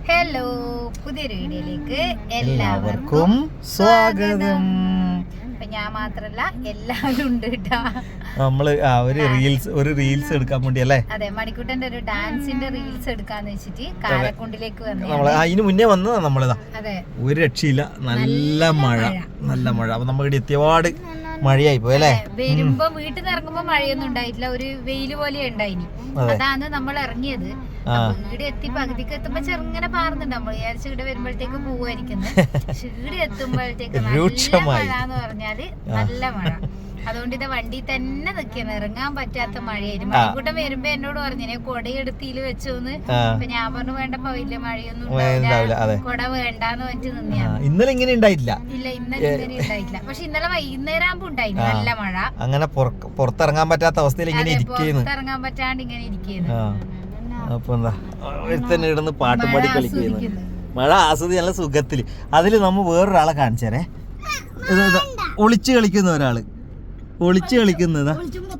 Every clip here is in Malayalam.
ഹലോ, പുതിയൊരു വീഡിയോയിലേക്ക് എല്ലാവർക്കും സ്വാഗതം. അപ്പൊ ഞാൻ മാത്രല്ല എല്ലാവരും ഉണ്ട് കേട്ടാ. നമ്മള് ഒരു റീൽസ് എടുക്കാൻ വേണ്ടി അല്ലേ? അതെ, മണിക്കുട്ടന്റെ ഒരു ഡാൻസിന്റെ റീൽസ് എടുക്കാന്ന് വെച്ചിട്ട് കാരക്കുണ്ടിലേക്ക് വന്നു. നമ്മള് അതിന് മുന്നേ വന്നതാ നമ്മളിതാ. അതെ, ഒരു രക്ഷയില്ല, നല്ല മഴ. അപ്പൊ നമ്മൾ ഇവിടെ എത്തിയപാട് മഴയായി പോയി അല്ലേ? വരുമ്പോ വീട്ടിൽ നിന്ന് ഇറങ്ങുമ്പോ മഴയൊന്നും ഉണ്ടായിട്ടില്ല, ഒരു വെയില് പോലെ ഉണ്ടായിനി. അതാണ് നമ്മൾ ഇറങ്ങിയത്. ഇവിടെ എത്തി പകുതിക്ക് എത്തുമ്പോ ചെറുങ്ങനെ പാറുന്നുണ്ട്. നമ്മൾ വിചാരിച്ചു ഇവിടെ വരുമ്പോഴത്തേക്ക് പോവായിരിക്കുന്നത്. പക്ഷെ ഇവിടെ എത്തുമ്പോഴത്തേക്ക് നല്ല മഴ എന്ന് പറഞ്ഞാല് നല്ല മഴ. അതുകൊണ്ട് ഇത് വണ്ടി തന്നെ നിൽക്കുന്നു, ഇറങ്ങാൻ പറ്റാത്ത മഴയായിരുന്നു. മഴക്കൂട്ടം വരുമ്പോ എന്നോട് പറഞ്ഞു കൊടയെടുത്തില് വെച്ചോന്ന്. അപ്പൊ ഞാൻ പറഞ്ഞു വേണ്ടപ്പോ വലിയ മഴയൊന്നും ഉണ്ടാവില്ല, കൊട വേണ്ടാന്ന് പറഞ്ഞിട്ട് നിന്നെയാണ്. ഇന്നലെ ഇങ്ങനെ ഉണ്ടായിട്ടില്ല. ഇല്ല, ഇന്നലെ ഇങ്ങനെ ഉണ്ടായിട്ടില്ല. പക്ഷെ ഇന്നലെ വൈകുന്നേരം ആകുമ്പോ ഉണ്ടായിരുന്നു നല്ല മഴ. അങ്ങനെ പുറത്തിറങ്ങാൻ പറ്റാത്ത അവസ്ഥയിൽ ഇങ്ങനെ പുറത്തിറങ്ങാൻ പറ്റാണ്ട് ഇങ്ങനെ ഇരിക്കുന്നു. അപ്പൊ എന്താ ഒരുത്തന്നെ ഇടുന്ന് പാട്ടും പാടി കളിക്കുന്നു. മഴ ആസ്വദിച്ച് നല്ല സുഖത്തില്. അതില് നമ്മ വേറൊരാളെ കാണിച്ചേരേ, ഒളിച്ചു കളിക്കുന്ന ഒരാള്, ഒളിച്ചു കളിക്കുന്നതാ.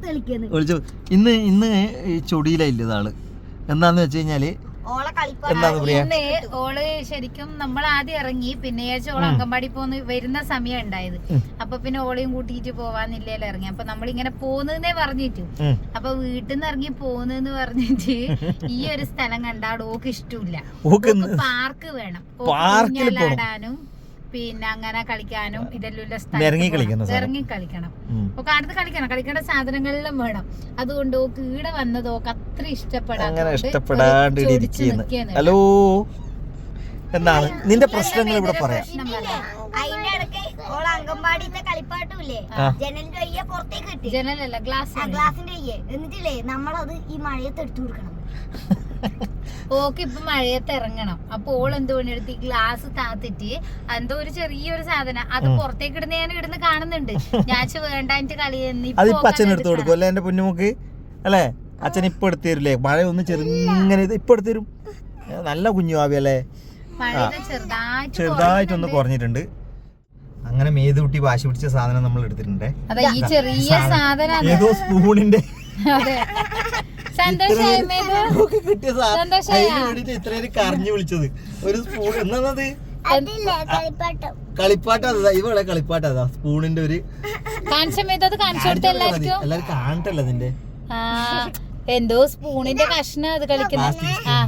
ഇന്ന് ഈ ചൊടിയിലില്ല ഇതാള്. എന്താന്ന് വെച്ച് കഴിഞ്ഞാല് എന്താന്ന് പറയാ, ഓള് ശരിക്കും നമ്മൾ ആദ്യം ഇറങ്ങി, പിന്നെ ഓള് അങ്കമ്പാടി പോന്ന് വരുന്ന സമയം ഉണ്ടായത്. അപ്പൊ പിന്നെ ഓളെയും കൂട്ടിയിട്ട് പോവാന്നില്ലല്ലോ ഇറങ്ങി. അപ്പൊ നമ്മളിങ്ങനെ പോന്നേ പറഞ്ഞിട്ടു. അപ്പൊ വീട്ടിൽ നിന്ന് ഇറങ്ങി പോന്നെന്ന് പറഞ്ഞിട്ട് ഈ ഒരു സ്ഥലം കണ്ടാട് ഓക്ക് ഇഷ്ടമില്ല. പാർക്ക് വേണം, ഊഞ്ഞാലാടാനും പിന്നെ അങ്ങനെ കളിക്കാനും ഇതെല്ലാം സ്ഥലം ഇറങ്ങി കളിക്കണം. ഒക്കെ അടുത്ത് കളിക്കേണ്ട സാധനങ്ങളെല്ലാം വേണം. അതുകൊണ്ട് ഓക്ക് ഈടെ വന്നത് ഓക്ക് അത്ര ഇഷ്ടപ്പെടാണ്ട്. ഹലോ, എന്താണ് നിന്റെ പ്രശ്നങ്ങൾ ഇവിടെ പറയാം. ജനലല്ല, ഗ്ലാസിന്റെ എന്നിട്ടില്ലേ നമ്മളത് ഈ മഴയത്ത് എടുത്തു കൊടുക്കണം. ഓക്ക് ഇപ്പൊ മഴയത്ത് ഇറങ്ങണം. അപ്പൊ ഓൾ എന്ത് പണിയെടുത്ത് ഈ ഗ്ലാസ് താത്തിട്ട് എന്തോ ഒരു ചെറിയൊരു സാധനം അത് പുറത്തേക്ക് ഇടുന്ന ഞാൻ ഇടുന്ന് കാണുന്നുണ്ട്. ഞാൻ വേണ്ടായിട്ട് കളിയെന്ന് അച്ഛൻ എടുത്തു കൊടുക്കും അല്ലെ? എന്റെ പൊന്നുമുക്ക് അല്ലേ? അച്ഛൻ ഇപ്പൊ എടുത്തു തരില്ലേ? മഴ ഒന്ന് ചെറുങ്ങനെ ഇപ്പൊ എടുത്തു തരും. നല്ല കുഞ്ഞു ആവി അല്ലേ? ചെറുതായിട്ടൊന്ന് കുറഞ്ഞിട്ടുണ്ട്. അങ്ങനെ മേതുകുട്ടി വാശി പിടിച്ച സാധനം നമ്മൾ എടുത്തിട്ടുണ്ട്. ഈ ചെറിയ സാധനം ഏതോ സ്പൂണിന്റെ ഇത്രയും കരഞ്ഞു വിളിച്ചത് ഒരു സ്പൂൺ. എന്നത് കളിപ്പാട്ടം. ഇവിടെ കളിപ്പാട്ടം അതാ സ്പൂണിന്റെ ഒരു എല്ലാരും കാണട്ടല്ലോ അതിന്റെ എന്തോ സ്പൂണിന്റെ കഷ്ണം അത് കളിക്കുന്നത്.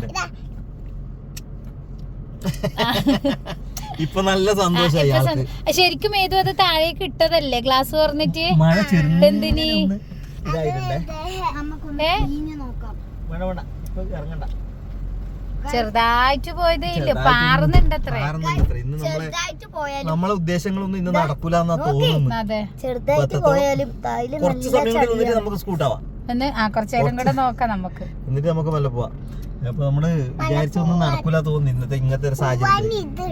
ഇപ്പൊ നല്ല സന്തോഷമായി. ശരിക്കും ഏതോ അത് താഴേക്ക് ഇട്ടതല്ലേ ഗ്ലാസ് പറഞ്ഞിട്ട്? എന്തിനീ ചെറുതായിട്ട് പോയതേ ഇല്ല, പാറുന്നുണ്ട് അത്ര. നമ്മളെ ഉദ്ദേശങ്ങളൊന്നും ഇന്ന് നടക്കൂലെന്നാ തോന്നുന്നു. കുറച്ച് സമയം കൂടി നിന്നിട്ട് നമുക്ക് സ്കൂട്ടാവാം. കുറച്ചേരം കൂടെ നോക്കാം നമുക്ക്, എന്നിട്ട് നമുക്ക് മെല്ലെ പോവാം. അപ്പൊ നമ്മള് വിചാരിച്ചൊന്നും നടക്കൂല തോന്നുന്നു ഇന്നത്തെ ഇങ്ങനത്തെ ഒരു സാഹചര്യം.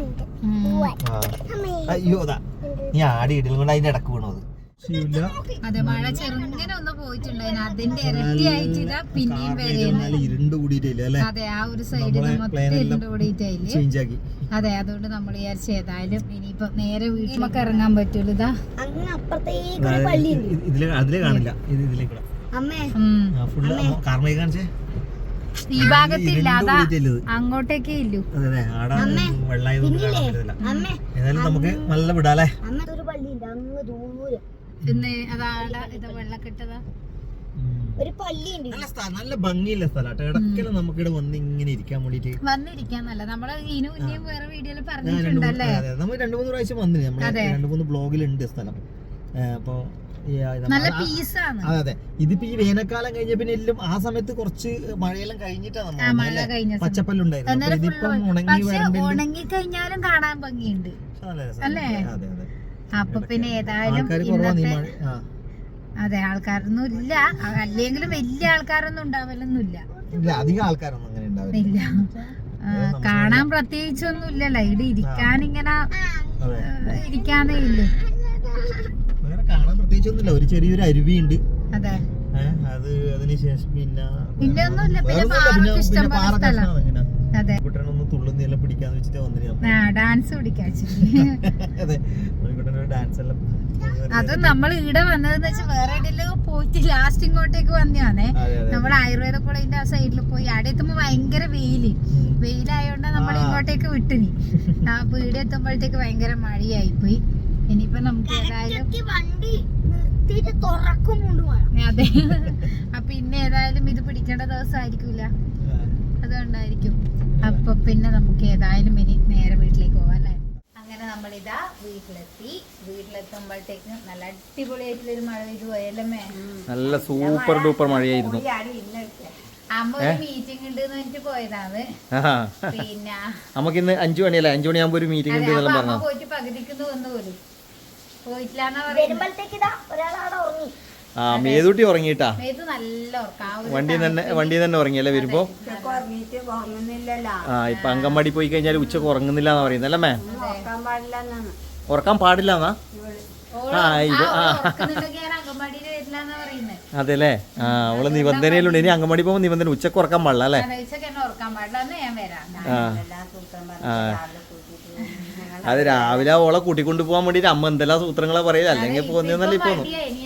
അയ്യോ അതാ നീ ആടി ഇടലും കൊണ്ട് അതിന്റെ ഇടക്ക് വീണത്. അതെ, മഴ ചെറുങ്ങനെ ഒന്ന് പോയിട്ടുണ്ടായിരുന്നു, അതിന്റെ ഇരട്ടിയായിട്ട് ഇതാ പിന്നെയും വരുന്നത്. അതെ, ആ ഒരു സൈഡിൽ മൊത്തം ഇരുണ്ട് കൂടിയിട്ടായില്ലേ. അതെ, അതുകൊണ്ട് നമ്മൾ വിചാരിച്ചു ഏതായാലും ഇനിയിപ്പോ നേരെ വീട്ടിലൊക്കെ ഇറങ്ങാൻ പറ്റൂല. ഇതാ അതിലേ കാണില്ല, ഈ ഭാഗത്തില്ല, അതാ അങ്ങോട്ടേക്കേ ഇല്ലു. നമുക്ക് നല്ല വിടാല്ലേ. ഒരു പള്ളിയുണ്ട്, നല്ല ഭംഗിയുള്ള സ്ഥലം. ഇടയ്ക്കെല്ലാം നമുക്ക് ഇവിടെ വന്ന് ഇങ്ങനെ ഇരിക്കാൻ വേണ്ടിട്ട് വന്നിരിക്കാന്നല്ല, നമ്മള് ഇനിയും വേറെ വീഡിയോയിൽ പറഞ്ഞിട്ടുണ്ടല്ലേ. നമ്മൾ 2-3 പ്രാവശ്യം വന്നിന്, നമ്മള് 2-3 ബ്ലോഗിലുണ്ട് സ്ഥലം. അപ്പൊ നല്ല പീസാണ്. അതെ, ഇതിപ്പോ ഈ വേനൽക്കാലം കഴിഞ്ഞ പിന്നെ എല്ലാം ആ സമയത്ത് കുറച്ച് മഴയെല്ലാം കഴിഞ്ഞിട്ടാണ് പച്ചപ്പല്ലുണ്ടായിരുന്നു. ഉണങ്ങി കഴിഞ്ഞാലും കാണാൻ ഭംഗിയുണ്ട് അല്ലേ? അപ്പൊ പിന്നെ ഏതായാലും അതെ, ആൾക്കാരൊന്നും ഇല്ല, അല്ലെങ്കിലും വലിയ ആൾക്കാരൊന്നും ഉണ്ടാവലൊന്നുമില്ല, അധികം ആൾക്കാരൊന്നും അങ്ങനെ ഉണ്ടാവില്ല. കാണാൻ പ്രത്യേകിച്ചൊന്നും ഇല്ലല്ലോ, ഇവിടെ ഇരിക്കാനിങ്ങനെ ഇരിക്കാനേ ഇല്ലേ. വേറെ കാണാൻ പ്രത്യേകിച്ചൊന്നുമില്ല, ഒരു ചെറിയൊരു അരുവിയുണ്ട്. അതെ, അത് അതിനുശേഷം പിന്നെ ഒന്നുമില്ല, പിന്നെ പാർക്ക് ഇഷ്ടം പോലെ സ്ഥലം. അതെ, കുട്ടനൊന്ന് തുള്ളുന്നെല്ലാം പിടിക്കാന്ന് വെച്ചിട്ട് വന്നിട്ട് ഡാൻസ് പിടിക്കാൻ. അതെ, ഡാൻസ് എല്ലാം അത് നമ്മൾ ഇവിടെ വന്നതെന്ന് വെച്ചാൽ വേറെ എവിടെയെല്ലാം പോയിട്ട് ലാസ്റ്റ് ഇങ്ങോട്ടേക്ക് വന്നതാണേ. നമ്മൾ ആയുർവേദ കോളേജിന്റെ ആ സൈഡിൽ പോയി അവിടെ എത്തുമ്പോ ഭയങ്കര വെയിലായോണ്ട് നമ്മൾ ഇങ്ങോട്ട് വിട്ടിനി. ആ വീട് എത്തുമ്പോഴത്തേക്ക് ഭയങ്കര മഴയായി പോയി. ഇനിയിപ്പോ നമുക്ക് ഏതായാലും വണ്ടി നിർത്തിയിട്ട് തുറക്കുമുണ്ട് മഴ. അതെ. അപ്പൊ ഇന്ന് ഏതായാലും ഇത് പിടിക്കേണ്ട ദിവസമായിരിക്കൂല, അതുകൊണ്ടായിരിക്കും. അപ്പൊ പിന്നെ നമുക്ക് ഏതായാലും ഇനി നേരെ വീട്ടിലേക്ക് പോവാം അല്ലേ. അങ്ങനെ നമ്മളിതാ വീട്ടിലെത്തുമ്പോഴത്തേക്കും നല്ല അടിപൊളിയായിട്ടുള്ളൊരു മഴ പെയ്തു പോയല്ലേ. നല്ല സൂപ്പർ ഡൂപ്പർ മഴയായിരുന്നു. അമ്മ ഒരു മീറ്റിംഗ് ഉണ്ട് എന്നിട്ട് പോയതാണ്. പിന്നെ നമുക്കിന്ന് 5 മണിയല്ലേ, 5 മണിയാകുമ്പോ ഒരു മീറ്റിംഗ് ഉണ്ട് എന്നെല്ലാം പറഞ്ഞു. പോയിട്ട് പകുതിക്കുന്നു വന്നു പോലും പോയിട്ടില്ലാന്നാ വരുമ്പോഴത്തേക്ക് ഇതാ ഒരാളവിടെ ഉറങ്ങി. ആ മേതൂട്ടി ഉറങ്ങിട്ടാ, ഇത് നല്ല ഉറക്കം. വണ്ടി തന്നെ ഉറങ്ങിയല്ലേ വരുമ്പോ. ആ ഇപ്പൊ അങ്കൻവാടി പോയി കഴിഞ്ഞാൽ ഉച്ചക്ക് ഉറങ്ങുന്നില്ല എന്നാ പറയുന്നത് അല്ലേ മേ? ഉറക്കാൻ പാടില്ല എന്നാ? അതെല്ലേ. ആ അവള് നിബന്ധനയിലുണ്ട്. ഇനി അങ്കൻവാടി പോകുമ്പോ നിബന്ധന ഉച്ചക്ക് ഉറക്കാൻ പാടില്ല അല്ലേ? അത് രാവിലെ ഓളെ കൂട്ടിക്കൊണ്ട് പോകാൻ വേണ്ടിട്ട് അമ്മ എന്തെല്ലാം സൂത്രങ്ങളെ പറയില്ല, അല്ലെങ്കിൽ പോകുന്നല്ലേ ഇപ്പൊ.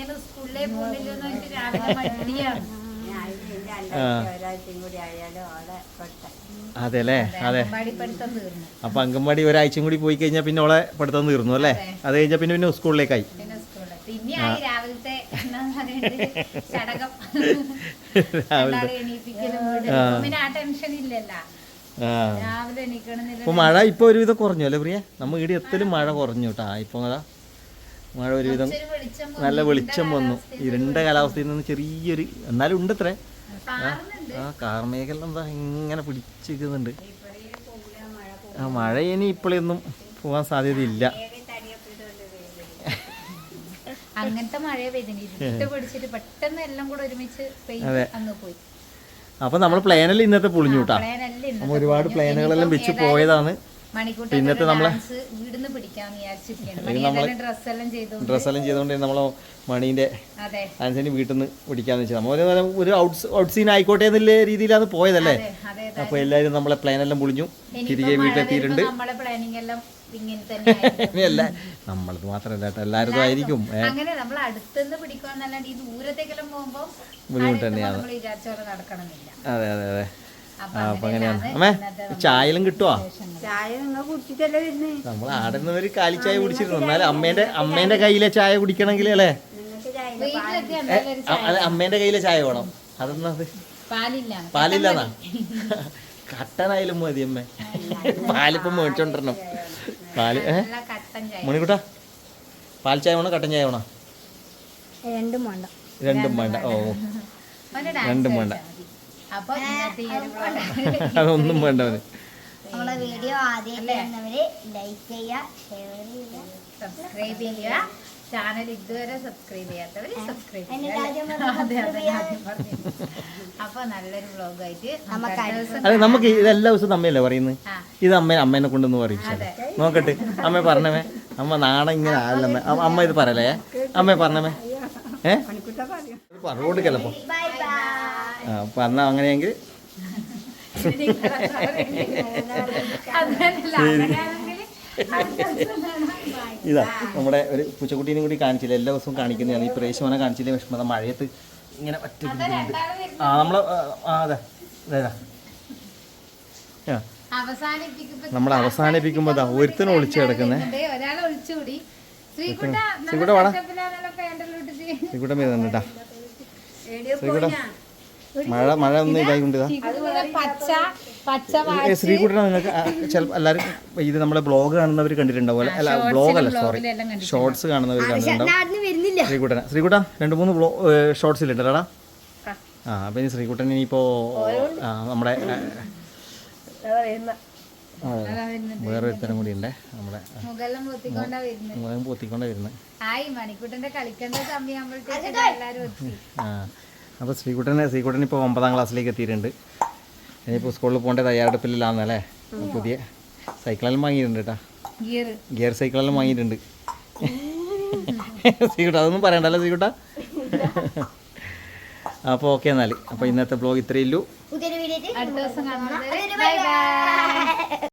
അതെല്ലേ. അതെ. അപ്പൊ അങ്കൻവാടി ഒരാഴ്ചയും കൂടി പോയി കഴിഞ്ഞാൽ പിന്നെ ഓളെ പഠിത്തം തീർന്നു അല്ലേ? അത് കഴിഞ്ഞാൽ പിന്നെ സ്കൂളിലേക്കായി. ഇപ്പൊ മഴ ഇപ്പൊ ഒരുവിധം കുറഞ്ഞു അല്ലേ പ്രിയ? നമ്മ ഇവിടെ എത്തലും മഴ കുറഞ്ഞു കേട്ടാ. ഇപ്പൊ അതാ മഴ ഒരുവിധം നല്ല വെളിച്ചം വന്നു. ഇരുണ്ട കാലാവസ്ഥയിൽ നിന്ന് ചെറിയൊരു എന്നാലും ഉണ്ട് അത്രേ. ആ കാർമേഘം എന്താ ഇങ്ങനെ പിടിച്ചിരിക്കുന്നുണ്ട്. ആ മഴ ഇനി ഇപ്പോഴൊന്നും പോകാൻ സാധ്യതയില്ല. അങ്ങനത്തെ മഴ പെയ്തിട്ട് പെട്ടെന്ന് എല്ലാം കൂടെ ഒരുമിച്ച് പോയി. അപ്പൊ നമ്മൾ പ്ലാനെല്ലാം ഇന്നത്തെ പൊളിഞ്ഞു കേട്ടാ. നമ്മ ഒരുപാട് പ്ലാനുകളെല്ലാം വെച്ച് പോയതാണ്. ഇന്നത്തെ നമ്മളെ ഡ്രസ്സെല്ലാം ചെയ്തോണ്ട് നമ്മളെ മണീന്റെ ആൻസന് വീട്ടിൽ നിന്ന് പിടിക്കാന്ന് വെച്ചാൽ നമ്മൾ ഒരു ഔട്ട് സീൻ ആയിക്കോട്ടെ എന്നുള്ള രീതിയിലാണ് പോയതല്ലേ. അപ്പൊ എല്ലാരും നമ്മളെ പ്ലാനെല്ലാം പൊളിഞ്ഞു, തിരികെ വീട്ടിലെത്തിയിട്ടുണ്ട്. ഇനിയല്ല നമ്മളത് മാത്രല്ല കേട്ടോ, എല്ലാവരും ആയിരിക്കും. ബുദ്ധിമുട്ട് തന്നെയാണ്. അതെ അതെ അതെ. അപ്പൊ അങ്ങനെയാണ്. അമ്മേ ചായലും കിട്ടുവാ? നമ്മൾ ആടെ നിന്ന് ഒരു കാലിച്ചായ കുടിച്ചിരുന്നു. എന്നാലും അമ്മേന്റെ കയ്യിലെ ചായ കുടിക്കണമെങ്കിൽ അല്ലേ, അമ്മേന്റെ കയ്യിലെ ചായ വേണം. അതെന്നത് പാലില്ലാന്നാ? കട്ടനായാലും മതി അമ്മേ. പാലിപ്പം മേടിച്ചോണ്ടിരണം. പാല് മണിക്കൂട്ടാ പാൽ ചായ വേണോ കട്ടൻ ചായ വേണോ? രണ്ടും വേണ്ട. ഓ രണ്ടും വേണ്ട, അതൊന്നും വേണ്ട. നമ്മളെ വീഡിയോ ആദ്യം ലൈക്ക് ചെയ്യുക, ഷെയർ ചെയ്യുക, സബ്സ്ക്രൈബ് ചെയ്യുക. ചാനൽ ഇതുവരെ സബ്സ്ക്രൈബ് ചെയ്യാത്തവര് സബ്സ്ക്രൈബ് ചെയ്യുക. അപ്പൊ നല്ലൊരു വ്ലോഗായിട്ട് അതെ. നമുക്ക് ഇതെല്ലാ ദിവസവും അമ്മയല്ലേ പറയുന്നത്. ഇത് അമ്മേനെ കൊണ്ടൊന്ന് പറയും. നോക്കട്ടെ അമ്മ പറഞ്ഞമേ. അമ്മ നാളെ ഇങ്ങനെ ആലമ്മ. അമ്മ ഇത് പറയലേ അമ്മ പറഞ്ഞമേ. പറഞ്ഞുകൊടുക്കല്ലപ്പോ പറഞ്ഞ അങ്ങനെയെങ്കിൽ ഇതാ നമ്മുടെ ഒരു പൂച്ചക്കുട്ടീനെ കൂടി കാണിച്ചില്ല. എല്ലാ ദിവസവും കാണിക്കുന്നതാണ്. ഈ പ്രേശമനെ കാണിച്ചില്ലേ വിഷമത മഴയത്ത് ഇങ്ങനെ ഒറ്റ ആ നമ്മളെ അതെ അതെ നമ്മൾ അവസാനിപ്പിക്കുമ്പോ ഒരുത്തനും ഒളിച്ചു കിടക്കുന്നേ. ശ്രീകുട്ട വേണം, ശ്രീകുട്ട വരുന്നുണ്ടാ. ശ്രീകുട്ട മഴ ഒന്നും ഇതായിക്കൊണ്ട് ശ്രീകുട്ടനെ നിങ്ങൾക്ക് ചിലപ്പോൾ എല്ലാവരും ഇത് നമ്മളെ ബ്ലോഗ് കാണുന്നവർ കണ്ടിട്ടുണ്ടാവും. അല്ല ബ്ലോഗല്ല, സോറി, ഷോർട്സ് കാണുന്നവർ കണ്ടിട്ടുണ്ടാവും. ശ്രീകുട്ട 2-3 ഷോർട്സ് ഇല്ലടാ. ആ അപ്പം ഇനി ശ്രീകുട്ടൻ ഇനിയിപ്പോൾ നമ്മുടെ വേറൊരു തരം കൂടി ഉണ്ട്. നമ്മുടെ മുഖം പൊത്തിക്കൊണ്ടേ വരുന്നത്. ആ അപ്പോൾ ശ്രീകുട്ടൻ ഇപ്പോൾ 9ാം ക്ലാസ്സിലേക്ക് എത്തിയിട്ടുണ്ട്. ഇനിയിപ്പോൾ സ്കൂളിൽ പോകേണ്ട തയ്യാറെടുപ്പിലാണെന്നല്ലേ. പുതിയ സൈക്കിളെല്ലാം വാങ്ങിയിട്ടുണ്ട് കേട്ടോ, ഗിയർ സൈക്കിളെല്ലാം വാങ്ങിയിട്ടുണ്ട്. ശ്രീകുട്ട അതൊന്നും പറയണ്ടല്ലോ ശ്രീകുട്ട. അപ്പോൾ ഓക്കെ എന്നാൽ. അപ്പോൾ ഇന്നത്തെ ബ്ലോഗ് ഇത്രയേ ഉള്ളൂ. അടുത്ത ദിവസം കാണുന്നത്. Bye by.